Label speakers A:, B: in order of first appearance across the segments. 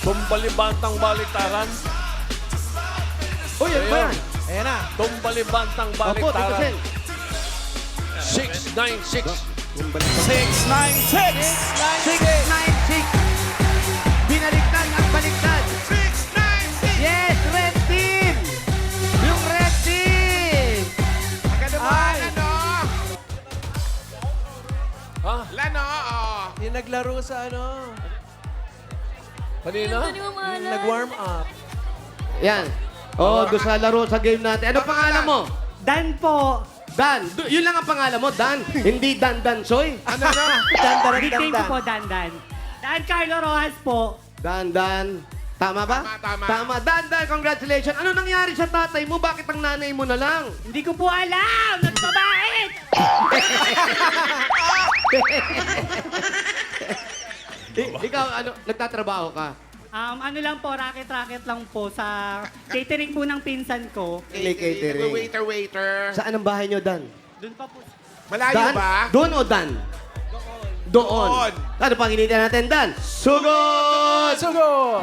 A: Tumbalibantang baliktaran.
B: Uy, ano ba yan?
C: Ayan na.
A: Tumbalibantang
B: Opo, Tito
A: baliktaran.
B: Sen.
A: 696.
C: 696!
B: 696. Binaliktad at baliktad.
C: 696!
B: Yes, red team! Yung red team!
C: Agad naman, ano?
A: Ha?
C: Lano, oh.
D: Yung naglaro sa ano,
A: Kanina?
D: yung nag-warm up.
B: Yan. Oh, doon sa laro sa game natin. Ano pangalan mo?
E: Dan po.
B: Dan. Yun lang ang pangalan mo, Dan. Hindi Dan Dansoy.
C: Ano na?
E: Nickname ko po Dan Dan. Dan Carlo Rojas po.
B: Dan. Tama ba?
C: Tama.
B: Dan, congratulations. Ano nangyari sa tatay mo? Bakit ang nanay mo na lang?
E: Hindi ko po alam. Nagbabait.
B: Ikaw, ano, nagtatrabaho ka?
E: Ano lang po, racket lang po sa catering po ng pinsan ko.
B: Catering.
C: Waiter.
B: Saan ang bahay nyo, Dan?
E: Doon pa po.
C: Malayo
B: Dan?
C: ba?
B: Doon o Dan? Doon.
C: Doon.
B: Ano pang hinihintay natin, Dan? Sugod!
D: Sugod!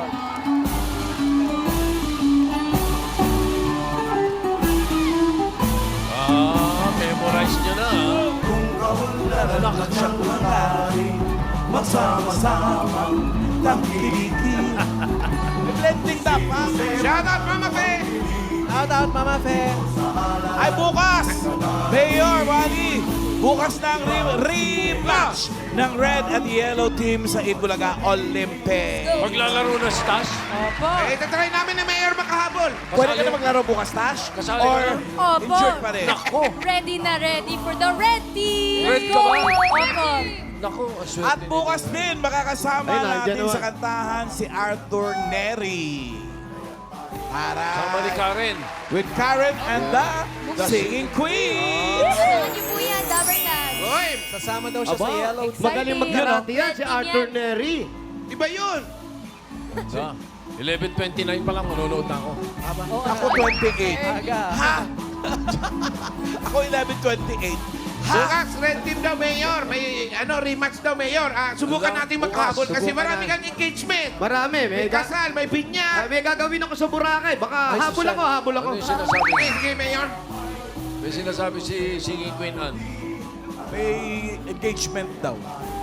A: Memorize nyo na.
D: Lalakad siya kumari, magsama-sama, tangkilikin. Blending tap, ha?
C: Shout out, Mama Fe!
D: Shout out, Mama Fe. Ay, bukas! Mayor Wally, bukas na ang rematch ng Red and Yellow Team sa Itbulaga Olympic.
A: Maglalaro na si Tash.
C: Eh, tatry namin na Mayor makahabol.
D: Pwede ka na maglaro bukas, Tash?
A: Kasali
D: Or
A: ka
F: Opo.
D: injured pa rin?
F: Ready na ready for the red team.
A: Red ka ba?
F: Opo.
A: Naku,
D: At
A: aswerte.
D: bukas din, makakasama
B: Ayun, nandiyan
D: natin
B: naman.
D: sa kantahan si Arthur Neri. Para
A: Sama ni Karen.
D: with Karen and the Singing Queen.
F: Samahan niyo po yan, Dabber Cats.
C: Hoy,
D: Sasama daw siya
B: Aba,
D: sa Yellow Team.
B: magaling magkarate yan si Arthur Neri.
C: iba yun.
A: Sa 11:29 pa lang, manonood na ako.
D: Ako 28. Ha? Ako 11:28. Ha?
C: Bukas, red team daw, Mayor. May rematch daw, Mayor. Subukan natin magkahabol kasi
B: subukan
C: marami
B: na.
C: kang engagement.
B: Marami.
C: May kasal, may binyag.
B: May gagawin ako sa Boracay. Baka habol ako.
A: Ano yung sinasabi?
C: Sige, Mayor.
A: May sinasabi si Singing Queen Anne.
D: May engagement daw.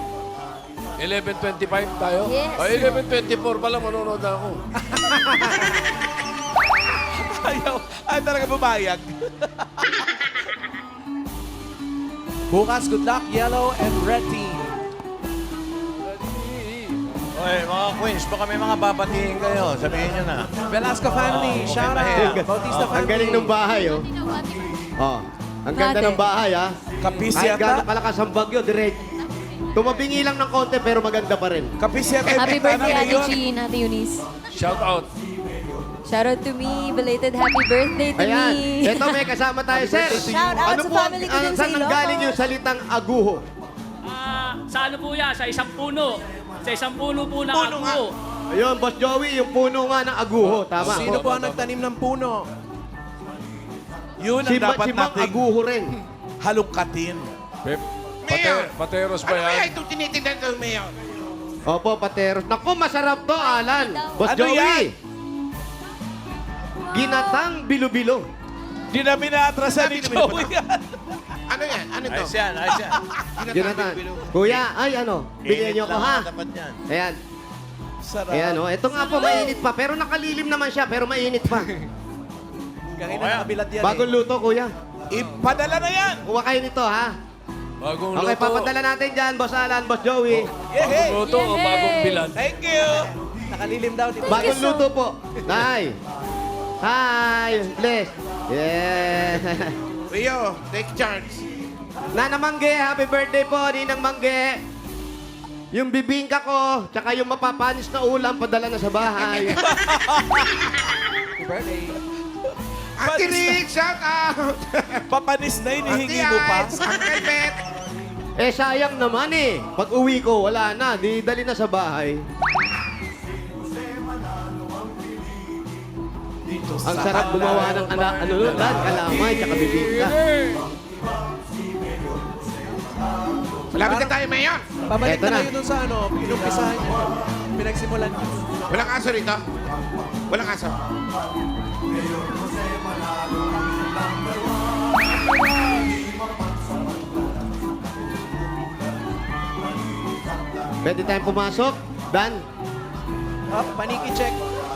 A: 11:25 tayo?
F: Yes.
A: Ay, 11:24 pala, manonood na ako.
D: Ay, talaga bumayag.
G: Bukas, good luck, yellow and red team.
H: Oy, mga queens, baka may mga babatiin kayo. Sabihin nyo na.
G: Velasco family, shout out. Bautista
B: Ang
G: family.
B: galing ng bahay, oh. Oh, ang ganda ng bahay, ha.
D: Kapis
B: Kahit
D: yata.
B: gano'ng kalakas ang bagyo, direct. Tumabingi lang ng konti, pero maganda pa rin.
D: Kapis yata yung
F: Happy
D: bintana
F: birthday, Ate
D: ngayon.
F: Jean, Ate Eunice.
A: Shout out.
F: Shout out to me. Belated happy birthday to
B: Ayan.
F: me.
B: Ito, may kasama tayo, sir.
F: Shout out
B: Ano
F: sa
B: po,
F: family ko dun sa
B: saan nanggaling yung salitang aguho?
E: Sa ano po yan? Sa isang puno. Sa isang puno po na
C: Puno nga.
E: ako.
B: Ayun, Boss Joey, yung puno nga ng aguho. Tama.
G: Sino po ang nagtanim ng puno?
D: Yun ang
B: Si
D: dapat
B: Mang
D: nating
B: Aguho rin.
D: halungkatin.
C: Mayor.
A: Pateros ba
C: Ano kaya
A: yan?
C: itong tinitindan ng Mayor?
B: Opo, pateros. Naku, masarap to, Alan. Boss
D: Ano
B: Joey.
D: yan?
B: Ginatang bilo-bilo.
D: Di na minaatrasan ni Joey yan.
C: Ano yan? Ano to?
H: Ayos yan, ayos yan.
B: Ginatang. Kuya, ay ano, bigyan niyo ako,
H: lang
B: ha?
H: ang dapat yan.
B: Ayan.
D: Sarap.
B: Ayan, oh. Ito nga po, mainit pa. Pero nakalilim naman siya, pero mainit pa.
G: Kanina nakabilad yan
B: Bagong luto, kuya.
D: Ipadala na yan.
B: Kuha kayo nito, ha?
A: Bagong
B: Okay,
A: luto.
B: papadala natin dyan, Boss Alan, Boss Joey.
D: Yehey.
A: Bagong luto o bagong bilan?
D: Thank you.
G: Nakalilim daw dito.
B: Bagong luto po. Hi. Hi. Bless. Yeah.
C: Rio, take charge.
B: Nana Mangge, happy birthday po, Ninang Mangge. Yung bibingka ko, tsaka yung mapapanis na ulam, padala na sa bahay.
G: Happy birthday.
C: Ate Rick, shout out.
D: Papanis na
C: Ate
D: hinihingi mo pa.
C: Ice, Uncle Bet.
B: Eh, sayang naman eh. Pag uwi ko, wala na. Di dali na sa bahay. Ang sarap gumawa ng kalamay, tsaka bibingka.
C: Malapit na tayo, Mayor.
G: Pabalik
B: Eto
G: na
B: na.
G: kayo dun sa ano, inumpisahan niyo. Pinagsimulan niyo.
C: Walang aso rito? Walang aso.
B: Pwede tayong pumasok? Dan?
G: Up, paniki check.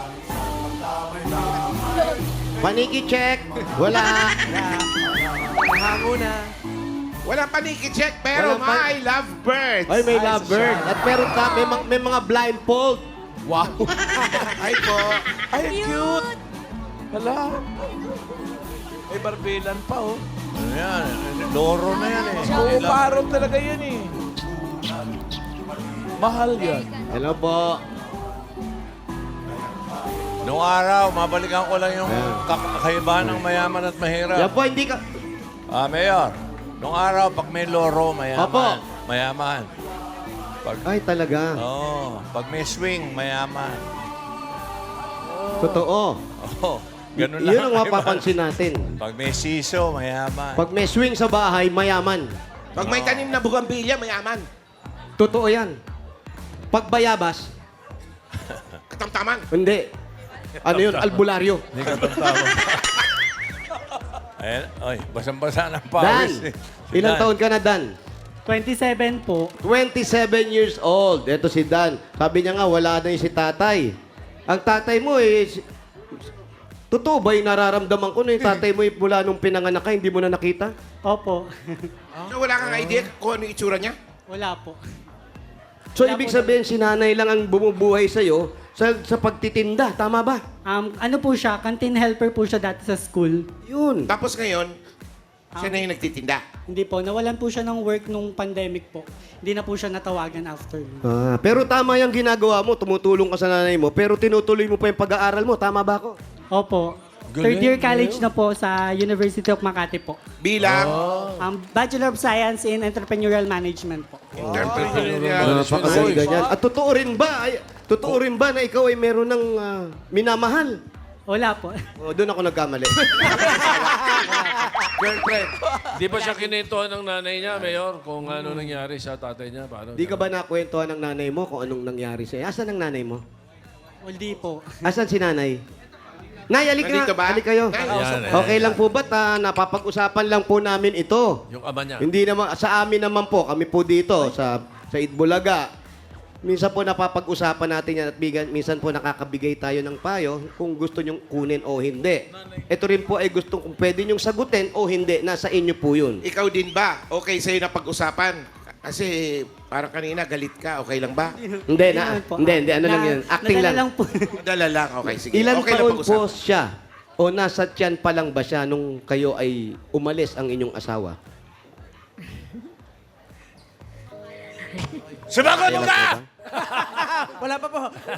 B: Paniki check. Wala.
G: Hango na.
C: Walang paniki check, pero
B: Walang
C: may love birds.
B: Ay, may
G: Ay,
B: lovebird.
G: siya.
B: At meron ka, may mga blindfold.
A: Wow.
C: Ay po.
D: Ay, cute! Hala. May barbilan pa, oh.
H: Ano yan? Loro na yan eh.
D: Oo, parang talaga yan eh. Mahal yan.
B: Hello po.
H: Noong araw, mabalikan ko lang yung
B: Ayan.
H: kakaibahan ng mayaman at mahirap.
B: Yan po, hindi ka...
H: Mayor, noong araw, pag may loro, mayaman.
B: Opo.
H: Mayaman. Pag,
B: Ay, talaga.
H: pag may swing, mayaman.
B: Totoo.
H: Oh, ganun lang.
B: Yun ang mapapansin natin.
H: Pag may siso, mayaman.
B: Pag may swing sa bahay, mayaman.
C: Pag may tanim na bugambilya, mayaman.
B: Totoo yan. Pag bayabas,
C: Katamtaman.
B: hindi. Ano yun? Albularyo.
H: Hindi ka tatawa. Ayan, oy, basang-basa ng
B: Dan,
H: pawis. eh. Si
B: ilang
H: Dan.
B: taon ka na, Dan?
E: 27 po.
B: 27 years old. Ito si Dan. Sabi niya nga, wala na yung si tatay. Ang tatay mo totoo ba yung nararamdaman ko na yung tatay mo mula nung pinanganak ka, hindi mo na nakita?
E: Opo.
C: So, wala kang idea kung ano yung itsura niya?
E: Wala po.
B: So, ibig sabihin, si nanay lang ang bumubuhay sa'yo sa pagtitinda. Tama ba?
E: Ano po siya, canteen helper po siya dati sa school.
B: Yun.
C: Tapos ngayon, siya na yung nagtitinda.
E: Hindi po, nawalan po siya ng work nung pandemic po. Hindi na po siya natawagan after.
B: Pero tama yung ginagawa mo. Tumutulong ka sa nanay mo. Pero tinutuloy mo pa yung pag-aaral mo. Tama ba ako?
E: Opo.
A: Galing,
E: Third year college na po sa University of Makati po.
C: Bilang
E: Bachelor of Science in Entrepreneurial Management po.
C: entrepreneurial.
B: Napakagaling ganyan. At totoo rin ba? Totoo rin ba na ikaw ay meron ng minamahal?
E: Wala po.
B: Doon ako nagkamali.
C: Girlfriend.
A: Di ba siya kinintuhan ng nanay niya, Mayor, kung ano nangyari sa tatay niya? Paano?
B: Di ka ba nakwentuhan ng nanay mo kung anong nangyari sa'yo? Asan ang nanay mo?
E: Hindi po.
B: Asan si nanay? Nay, alik
C: Nandito ba?
B: na. Alik kayo.
C: Nay,
A: Yan,
B: Okay lang po ba? Napapag-usapan lang po namin ito.
A: Yung ama niya.
B: Hindi naman, sa amin naman po, kami po dito, sa Itbulaga. Minsan po napapag-usapan natin yan at minsan po nakakabigay tayo ng payo kung gusto nyong kunin o hindi. Ito rin po ay gustong kung pwede nyong sagutin o hindi, nasa inyo po yun.
C: Ikaw din ba? Okay sa'yo na pag-usapan? Kasi parang kanina galit ka. Okay lang ba?
B: Hindi, hindi, ano lang yan. Acting
E: nadala
B: lang.
E: lang po.
C: Dala lang. Okay, sige.
B: Ilan
C: okay na
B: taon
C: pag-usapan.
B: po siya? O nasa tiyan pa lang ba siya nung kayo ay umalis ang inyong asawa?
H: Sumagot mo ka!
G: Wala pa po.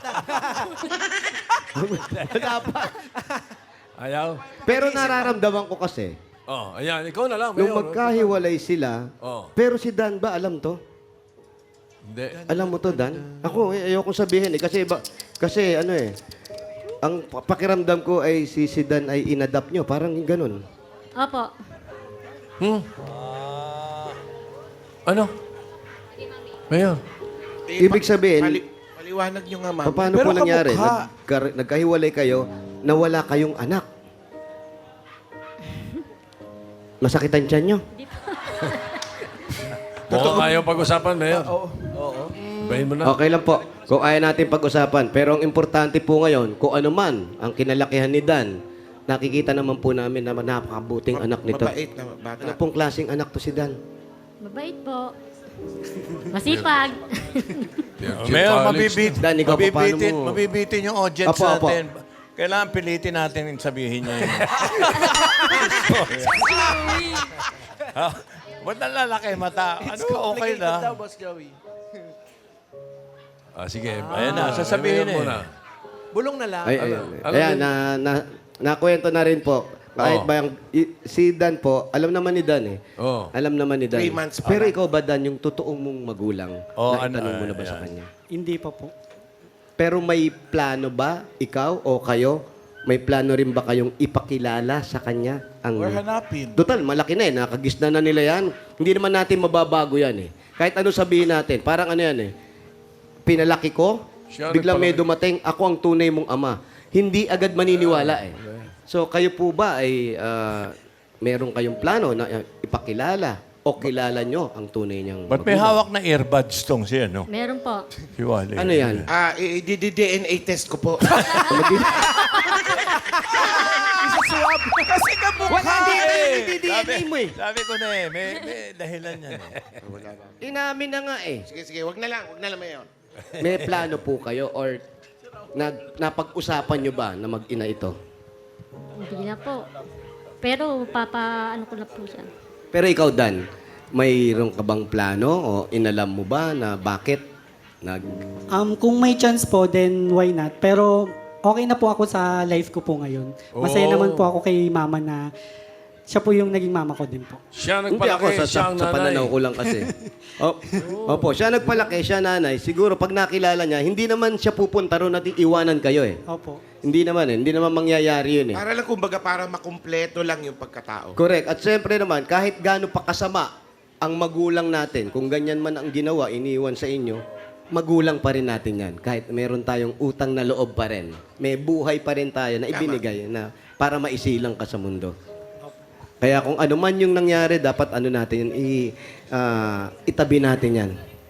B: Wala pa.
A: Ayaw?
B: Pero nararamdaman ko kasi,
A: Oh, ayan. Ikaw na lang,
B: nung
A: Mayor.
B: magkahiwalay sila,
A: Oh.
B: pero si Dan ba alam to?
A: Hindi.
B: Alam mo to, Dan? Ako, ayokong sabihin eh. Kasi ano eh, ang pakiramdam ko ay si Dan ay inadapt nyo. Parang ganun.
F: Opo.
A: Ano? Mayor.
B: Ibig sabihin,
C: Paliwanag nyo nga, ma'am.
B: paano
D: Pero
B: po nangyari?
D: kamukha.
B: Nagkahiwalay kayo na wala kayong anak. Masakitan tiyan nyo?
A: Mukhang ayaw pag-usapan, Mayor.
D: Oo.
A: Bahin mo na.
B: Okay lang po. Kung ayaw natin pag-usapan. Pero ang importante po ngayon, kung ano man ang kinalakihan ni Dan, nakikita naman po namin na napakabuting anak nito.
C: Mabait na bata.
B: Ano pong klaseng anak to si Dan?
F: Mabait po. Masipag.
H: Mayor, mabibit.
B: Dan, ikaw pa, paano mo?
H: Mabibitin yung audience
B: Apo, apo.
H: natin. Kailangan pilitin natin yung sabihin niya yun. Ba't nalalaki mata? Ano ka okay
G: Complicated daw,
H: na?
G: Boss Joey.
A: Sige.
H: Ayan na, sasabihin
A: Mayor
H: eh.
A: muna.
G: Bulong na lang.
B: Ay, ayan, nakwento na rin po. Kahit
A: Oo.
B: ba si Dan po, alam naman ni Dan eh.
A: Oo.
B: Alam naman ni Dan.
C: 3 months pa
B: Pero
C: lang.
B: ikaw ba, Dan, yung totoong mong magulang,
H: Oo,
B: naitanong
H: ano,
B: mo na ba
H: ayan.
B: sa kanya?
E: Hindi pa po.
B: Pero may plano ba, ikaw o kayo, may plano rin ba kayong ipakilala sa kanya?
D: Or hanapin.
B: Total, malaki na eh. Nakagisna na nila yan. Hindi naman natin mababago yan eh. Kahit ano sabihin natin, parang ano yan eh. Pinalaki ko,
A: Siya
B: biglang may
A: nagpalaki.
B: dumating, ako ang tunay mong ama. Hindi agad maniniwala eh. So kayo po ba ay meron kayong plano na ipakilala o kilala nyo ang tunay niyang
H: Ba't may
B: magulang?
H: hawak na earbuds tong siya, no?
F: Meron po.
H: Si Wally.
B: Ano yan?
C: I-DNA test ko po.
D: Isaswab. Kasi kamukha eh.
B: DNA mo eh.
H: Sabi ko na eh, may dahilan yan eh.
B: Inamin na nga eh.
C: Sige, wag na lang, Mayor.
B: May plano po kayo or napag-usapan nyo ba na mag-ina ito?
I: Hindi na po. Pero ano ko na po siya.
B: Pero ikaw, Dan, mayroon ka bang plano o inalam mo ba na bakit
E: Kung may chance po, then why not? Pero okay na po ako sa life ko po ngayon. Masaya naman po ako kay mama na siya po yung naging mama ko din po.
A: Siya
B: Hindi ako
A: nagpalaki, siya ang
B: sa
A: nanay.
B: pananaw ko lang kasi. Opo, siya nagpalaki, siya nanay. Siguro pag nakilala niya, hindi naman siya pupunta ron at iiwanan kayo eh.
E: Opo.
B: Hindi naman mangyayari yun eh.
C: Para lang, kumbaga, para makumpleto lang yung pagkatao.
B: Correct. At siyempre naman, kahit gaano pa kasama ang magulang natin, kung ganyan man ang ginawa, iniwan sa inyo, magulang pa rin natin yan. Kahit meron tayong utang na loob pa rin. May buhay pa rin tayo na ibinigay na para maisilang ka sa mundo. Kaya kung ano man yung nangyari, dapat ano natin, itabi natin yan.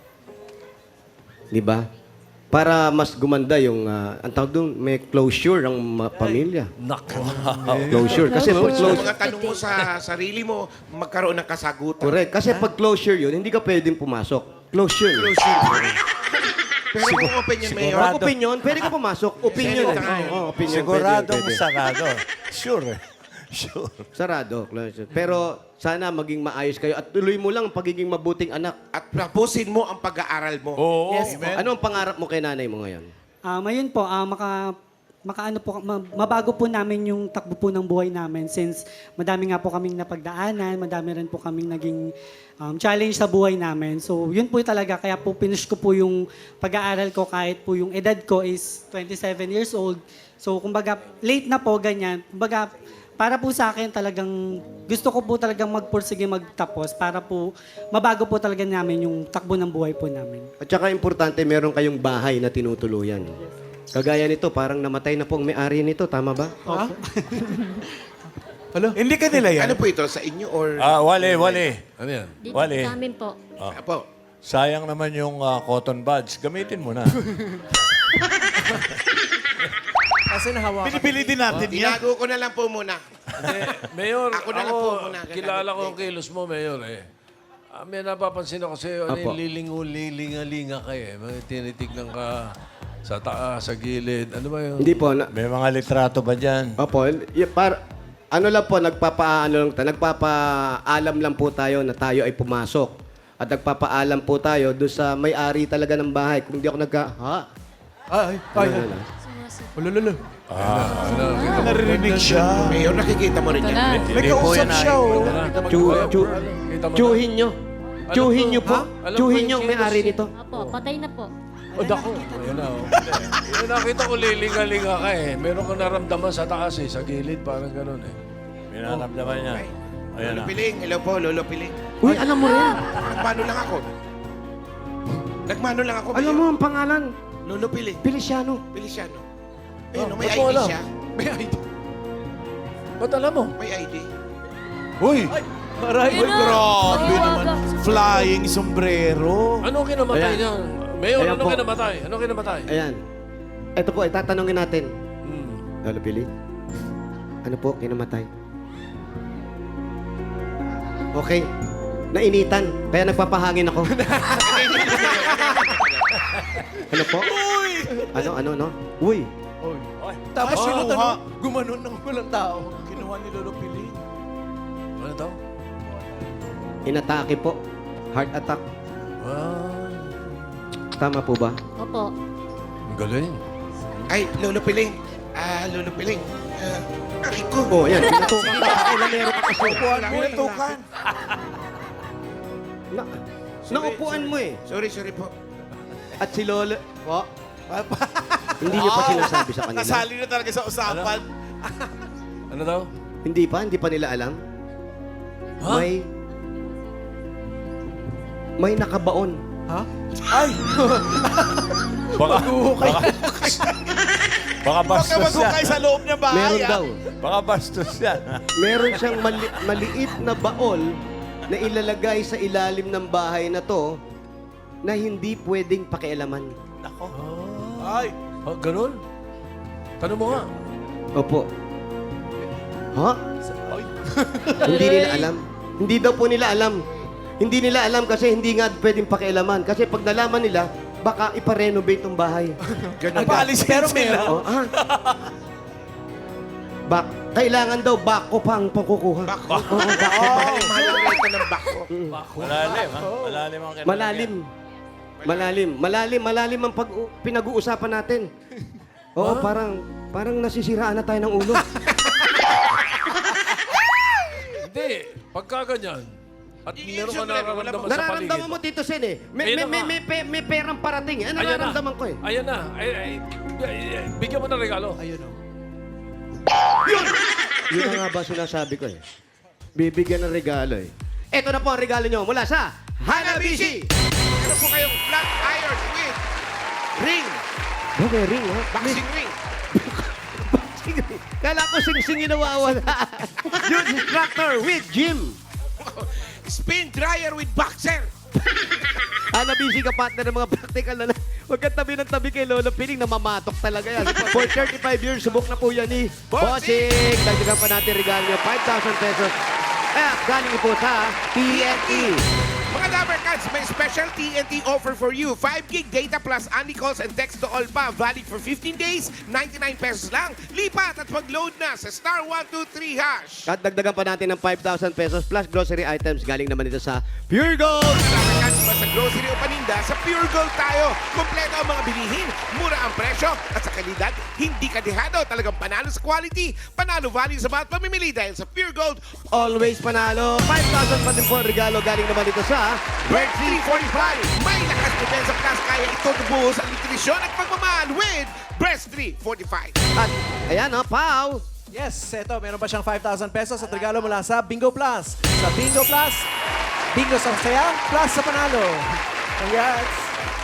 B: Di ba? Para mas gumanda yung, ang tawag doon, may closure ang pamilya.
A: Nako.
B: Closure. Kasi
C: Yung
B: closure.
C: mga tanong mo sa sarili mo, magkaroon ng kasagutan.
B: Correct. Kasi pag closure yun, hindi ka pwedeng pumasok. Closure.
C: Pero kung opinion, Mayor,
B: Pag opinion, pwede ka pumasok. Opinion.
C: Senator.
B: Opinion.
H: Siguradong
B: pwede.
H: sarado. Sure. Sure.
B: Sarado. Closure. Pero sana maging maayos kayo at tuloy mo lang ang pagiging mabuting anak.
C: at tapusin mo ang pag-aaral mo.
A: Oo.
E: Yes.
B: Ano ang pangarap mo kay nanay mo ngayon?
E: Ayun po, makaano po, mabago po namin yung takbo po ng buhay namin since madami nga po kaming napagdaanan, madami rin po kaming naging challenge sa buhay namin. So, yun po talaga. Kaya po finish ko po yung pag-aaral ko kahit po yung edad ko is 27 years old. So, kumbaga, late na po, ganyan. Kumbaga, para po sa akin talagang gusto ko po talagang magpursige magtapos para po mabago po talaga namin yung takbo ng buhay po namin.
B: At saka importante, meron kayong bahay na tinutuluyan. Kagaya nito, parang namatay na po ang may-ari nito. Tama ba?
D: Hindi ka nila yan.
C: Ano po ito, sa inyo or...
H: Wally.
A: Ano yan?
I: Dito
H: Wally.
I: sa amin po.
C: Apo.
H: Sayang naman yung cotton buds. Gamitin mo na.
G: Kasi nahawakan.
D: Binibili din natin yan.
C: Tinago ko na lang po muna.
A: Hindi, Mayor,
C: Ako na lang po muna.
A: kilala ko ang kilos mo, Mayor eh. May napapansin ako sa'yo,
B: Apo.
A: lilinga-linga ka eh. May tinitignan ka sa taas, sa gilid. Ano ba yun?
B: Hindi po.
H: May mga litrato ba dyan?
B: Opo, ano lang po, nagpapaalam lang po tayo na tayo ay pumasok. At nagpapaalam po tayo doon sa may-ari talaga ng bahay. Kung hindi ako
G: Ay. Ulululu.
D: Naririnig siya.
C: Mayor, nakikita mo rin yan.
D: May kausap siya, oh.
B: Chuhin nyo. Chuhin nyo po.
A: Alam ko
B: Chuhin
A: yung
B: nyo ang may-ari nito.
I: Opo, patay na po.
A: O, dako. Ayan na, oh. Yung nakita ko lilinga-linga ka eh. Meron kang naramdaman sa taas eh, sa gilid, parang ganun eh.
H: May naramdaman niya. Ayan
C: Lolo
H: na.
C: Piling. Hello po, Lolo Piling.
B: Uy, alam mo rin.
C: Nagmano lang ako.
B: Alam mo
C: Mayor.
B: ang pangalan.
C: Lolo Piling.
B: Feliciano.
C: Feliciano. Ayun, may
A: ba't mo
C: ID
A: alam?
C: siya.
A: May ID. Ba't alam mo?
C: May ID.
D: Uy!
G: Aray.
D: Uy, grabe naman. Flying sombrero.
A: Ano kinamatay
B: Ayan.
A: niya? Mayor,
B: Ayan
A: ano
B: po.
A: kinamatay? Ano kinamatay?
B: Ayan. Ito po, itatanungin natin.
A: Hmm.
B: Lolo Pili, ano po kinamatay? Okay. Nainitan. Kaya nagpapahangin ako. Ano po? Ano? Uy.
G: Tapos
D: Ay,
G: yung
D: oo, ha?
G: tanong, gumanon ng walang tao.
D: Kinuha ni Lolo Pili.
A: Ano daw?
B: Inatake po. Heart attack.
A: Ah,
B: Tama po ba?
I: Opo.
A: ang galing.
C: Ay, Lolo Piling. Lolo Piling. Aray ko.
B: Oo, yan. Pinatukan ka. Ilan meron ka kasi.
D: Pinatukan.
B: Naupuan mo eh.
C: Sorry po.
B: At si Lolo. Po? Hindi niyo pa sinasabi sa kanila.
D: Kasali na talaga sa usapan.
A: Ano daw?
B: Hindi pa nila alam.
A: Ha?
B: May nakabaon
G: Ha? Ay!
H: Baka, baka, baka
D: Huwag ka
H: bastos
D: maghukay
H: yan.
D: sa loob niya bahay.
B: Meron
D: ah.
B: daw.
H: Baka bastos yan.
B: Meron siyang maliit na baol na ilalagay sa ilalim ng bahay na to na hindi pwedeng pakialaman.
H: Nako.
D: Ay,
A: Ah, ganun? Tanong mo nga.
B: Opo. Ha? Hindi nila alam. Hindi daw po nila alam. Hindi nila alam kasi hindi nga pwedeng pakialaman. Kasi pag nalaman nila, baka ipa-renovate tong bahay.
C: Ganun
D: paalisin
G: Pero
D: sila.
B: Oh, ah. Kailangan daw bako pang pagkukuha.
C: Bako.
B: Oo, bako.
C: Mahal ang renta ng bako.
H: Malalim, ha? Malalim ang kinalagyan.
B: Malalim ang pinag-uusapan natin. Oo, parang nasisiraan na tayo ng ulo.
A: Hindi. Pagka ganyan, at meron ka
C: I-issue mo na,
A: nararamdaman sa paligid.
B: Nararamdaman mo, Tito Sen, eh.
A: Ayun na
B: May perang parating. Eh. Ano
A: Ayan na.
B: nararamdaman ko eh?
A: Ayan na. Bigyan mo ng regalo.
G: Ayun o.
B: Yun na nga ba sinasabi ko eh. Bibigyan ng regalo eh. Ito na po ang regalo nyo mula sa Hanabishi!
C: Meron po kayong flat iron with ring.
B: Okay, ring ha?
C: Boxing ring.
B: Kala ko sing-sing yung nawawala. Youth instructor with gym.
C: Spin dryer with boxer.
B: Hanabishi ka partner ng mga practical na huwag kang tabi ng tabi kay Lolo Piling na mamatok talaga yan. For 35 years, subok na po yan ni Bossing. Dagdagan pa natin regalo nyo, 5,000 pesos. At galing po sa TNT.
C: Mga Dabber Cats, may special TNT offer for you. 5 gig data plus only calls and text to all pa. Valid for 15 days, 99 pesos lang. Lipat at mag-load na sa *123#.
B: At dagdagan pa natin ng 5,000 pesos plus grocery items. Galing naman ito sa Pure Gold.
C: Mga Dabber Cats, ba sa grocery o paninda, sa Pure Gold tayo. Kompleto ang mga bilihin, mura ang presyo, at sa kalidad, hindi ka dehado. Talagang panalo sa quality, panalo value sa bawat pamimili dahil sa Pure Gold,
B: Always panalo. 5,000 pa din po ang regalo. Galing naman ito sa
C: Red 345. May lakas depensa plus kaya ito tubuhos ang nutrisyon at pagmamahal with Breast 345.
B: At ayan o, Pau.
G: Yes, eto, meron pa siyang 5,000 pesos at regalo mula sa Bingo Plus. Sa Bingo Plus, Bingo sa saya, plus sa panalo. Congrats!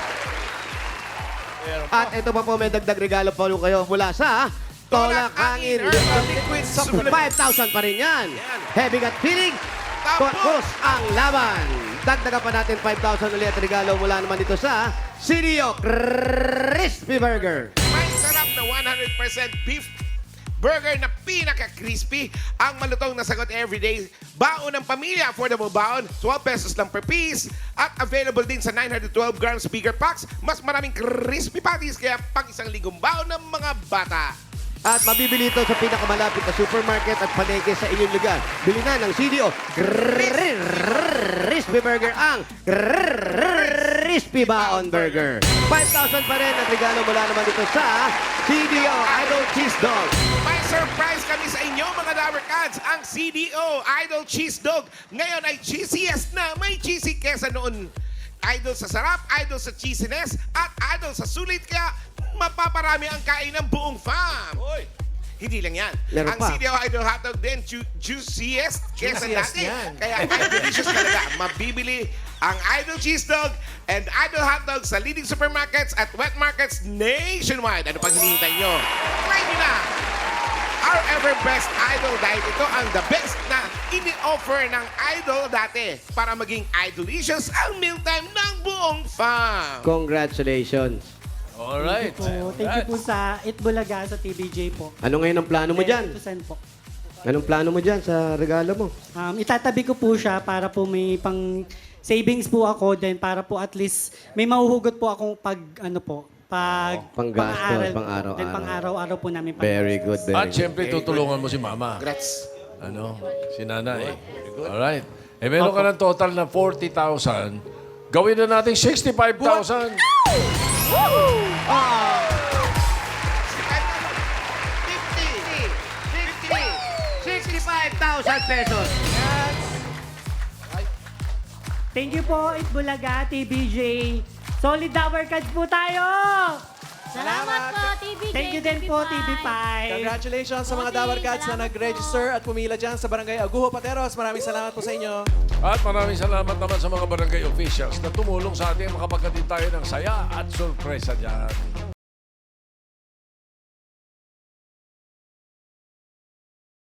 B: At ito pa po, may dagdag regalo pa rin kayo mula sa Tolak Angin.
C: Herbal Liquid Supplement.
B: 5,000 pa rin yan.
C: Yan.
B: Heavy gut feeling. Tapos ang laban. Dagdagan pa natin 5,000 ulit at regalo mula naman dito sa CDO Crispy Burger.
C: May sarap na 100% beef burger na pinaka-crispy. Ang malutong na sagot everyday. Baon ng pamilya, affordable baon, 12 pesos lang per piece. At available din sa 912 grams bigger packs. Mas maraming crispy patties, kaya pang isang ligong baon ng mga bata.
B: At mabibili ito sa pinakamalapit na supermarket at palengke sa inyong lugar. Bili na ng CDO Crispy Burger ang Crispy Baon Burger. 5,000 pa rin at regalo mula naman dito sa CDO Idol Cheese Dog.
C: May surprise kami sa inyo, mga Dabber Cats. Ang CDO Idol Cheese Dog ngayon ay cheesiest na. May cheesy kesa noon. Idol sa sarap, idol sa cheesiness, at idol sa sulit. Kaya mapaparami ang kain ng buong fam. Hindi lang yan.
B: Meron
C: Ang
B: pa.
C: CDO Idol Hotdog din, juiciest kesa
G: Juiciest
C: dati.
G: yan.
C: Kaya delicious talaga. Mabibili ang Idol Cheese Dog and Idol Hotdog sa leading supermarkets at wet markets nationwide. Ano pang hinihintay nyo? Try nyo na! Our ever best idol dahil ito ang the best na ini-offer ng idol dati para maging idolicious ang mealtime ng buong fam.
B: Congratulations.
A: Alright.
E: Thank you po sa Itbulaga sa TBJ po.
B: Ano ngayon ang plano mo dyan?
E: Tutusan po.
B: Anong plano mo dyan sa regalo mo?
E: Itatabi ko po siya para po may pang savings po ako then para po at least may mahuhugot po akong pag ano po
B: Panggastos,
E: pang-aaral po.
B: pang-araw-araw.
E: Then pang-araw-araw po namin.
B: Very good, very
A: At
B: good.
A: syempre, tutulungan mo si Mama.
C: Congrats.
A: Ano? Si Nanay. Alright. Eh, meron ka ng total na 40,000. Gawin na natin 65,000.
B: 65,000 pesos.
E: Thank you po Itbulaga, TBJ. Solid Dabber Cards po tayo!
I: Salamat po, TVJ.
E: Thank you din po, TV5.
G: Congratulations sa mga Dawar Gods na nag-register at pumila dyan sa Barangay Aguho, Pateros. Maraming salamat po sa inyo.
A: At maraming salamat naman sa mga barangay officials na tumulong sa ating makapagkatid tayo ng saya at sorpresa dyan.